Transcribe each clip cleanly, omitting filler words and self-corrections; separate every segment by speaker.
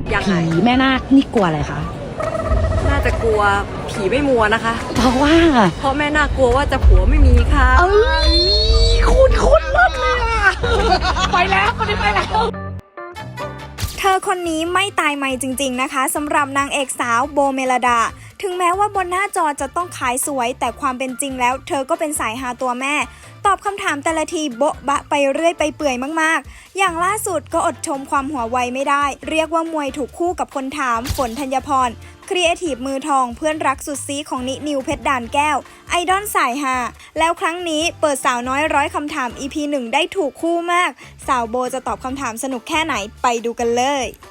Speaker 1: ผีแม่นาคนี่กลัวอะไรคะ
Speaker 2: น่าจะกลัวผีไม่มัวนะคะ
Speaker 1: เพราะว่า
Speaker 2: เพราะแม่น่ากลัวว่าจะผัวไม่มีค่ะ
Speaker 1: คุณมากเลยอะไปแล้วคนนี้ไปแล้ว
Speaker 3: เธอคนนี้ไม่ตายใหม่จริงๆนะคะสำหรับนางเอกสาวโบเมลดาถึงแม้ว่าบนหน้าจอจะต้องขายสวยแต่ความเป็นจริงแล้วเธอก็เป็นสายฮาตัวแม่ตอบคำถามแต่ละทีโบ๊ะบะไปเรื่อยไปเปื่อยมากๆอย่างล่าสุดก็อดชมความหัวไวไม่ได้เรียกว่ามวยถูกคู่กับคนถามฝนธัญพรครีเอทีฟมือทองเพื่อนรักสุดซีของนิวเพชรด่านแก้วไอดอลสายฮาแล้วครั้งนี้เปิดสาวน้อยร้อยคำถาม EP 1 ได้ถูกคู่มากสาวโบจะตอบคำถามสนุกแค่ไหนไปดูกันเลย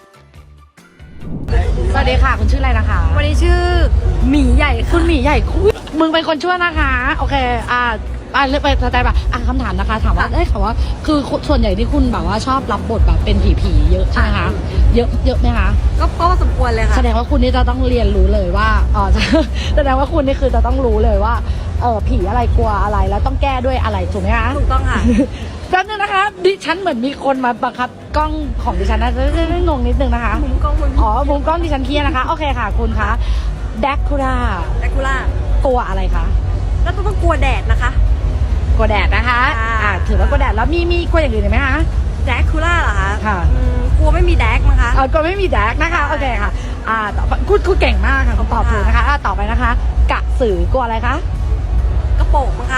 Speaker 1: สวัสดีค่ะคุณชื่ออะไรนะคะ
Speaker 2: วันนี้ชื่อหมีใหญ่
Speaker 1: คุ
Speaker 2: ค่ะ
Speaker 1: ณหมีใหญ่มึงเป็นคนชั่วนะคะโอเคเลือกไปสไตล์แบบคำถามนะคะถามว่าค่ะว่าคือส่วนใหญ่ที่คุณแบบว่าชอบรับบทแบบเป็นผีเยอะใช่ไหมคะเยอะไหมคะ
Speaker 2: ก็สมควรเลยค่ะ
Speaker 1: แสดงว่าคุณนี่จะต้องเรียนรู้เลยว่าแสดงว่าคุณนี่คือจะต้องรู้เลยว่าผีอะไรกลัวอะไรแล้วต้องแก้ด้วยอะไรถูกไหมคะ
Speaker 2: ถูกต้องค่ะ
Speaker 1: แป๊บนึงนะคะดิฉันเหมือนมีคนมาบังคับกล้องของดิฉันนะจะงงนิดนึงนะคะ
Speaker 2: มุมกล้องคุณ
Speaker 1: อ๋อมุมกล้องดิฉันเครียดนะคะโอเคค่ะคุณคะแดกคูรา
Speaker 2: แดกคูล่าก
Speaker 1: ลัวอะไรคะ
Speaker 2: แล้วต้องกลัวแดดนะคะ
Speaker 1: กลัวแดดนะคะ
Speaker 2: ค่ะ
Speaker 1: ถือว่ากลัวแดดแล้วมีกลัวอย่างอื่นไหมคะ
Speaker 2: แดกคูล่าเหรอคะ
Speaker 1: ค่ะ
Speaker 2: กลัวไม่มีแดกมั้งคะ
Speaker 1: กลัวไม่มีแดกนะคะโอเคค่ะต่อไปคุณเก่งมากค่ะคุณตอบถูกนะคะต่อไปนะคะกระสือกลัวอะไรคะ
Speaker 2: กระโปรงมั้งคะ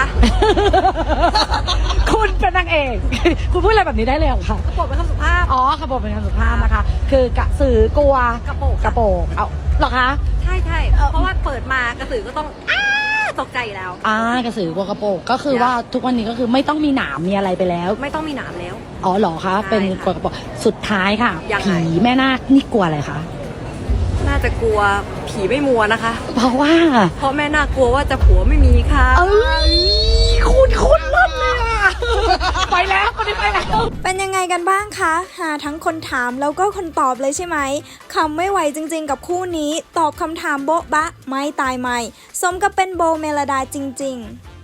Speaker 1: คุณเป็นนางเอก คุณพูดอะไรแบบนี้ได้เลยเหรอคะ
Speaker 2: กระโปรงเป็นคำสุภาพ
Speaker 1: อ๋อขบวนเป็นคำสุภาพนะคะ คือกระสือกลัว
Speaker 2: กระโปรง
Speaker 1: กระโปรงเอาเหรอคะ
Speaker 2: ใช่เพราะว่าเปิดมากระสือก็ต้องตกใจอยู่แล้ว
Speaker 1: กระสือกลัวกระโปรงก็คือว่าทุกวันนี้ก็คือไม่ต้องมีหนามมีอะไรไปแล้ว
Speaker 2: ไม่ต้องมีหนามแล้ว
Speaker 1: อ๋อเหรอคะ
Speaker 2: ใช่
Speaker 1: เป็นกลัวกระโปรงสุดท้ายค่ะ
Speaker 2: ยังไง
Speaker 1: ผีแม่นาคนี่กลัวอะไรคะ
Speaker 2: น่าจะกลัวผีไม่มัวนะคะ
Speaker 1: เพราะว่า
Speaker 2: เพราะแม่น่ากลัวว่าจะผัวไม่มีค่ะ
Speaker 1: คุณมากเลยอะ ไปแล้วคนนี้ไปแล้ว
Speaker 3: เป็นยังไงกันบ้างคะหาทั้งคนถามแล้วก็คนตอบเลยใช่ไหมคำไม่ไหวจริงๆกับคู่นี้ ตอบคำถามโบ๊ะบะไม่ตายใหม่ สมกับเป็นโบเมลดาจริงๆ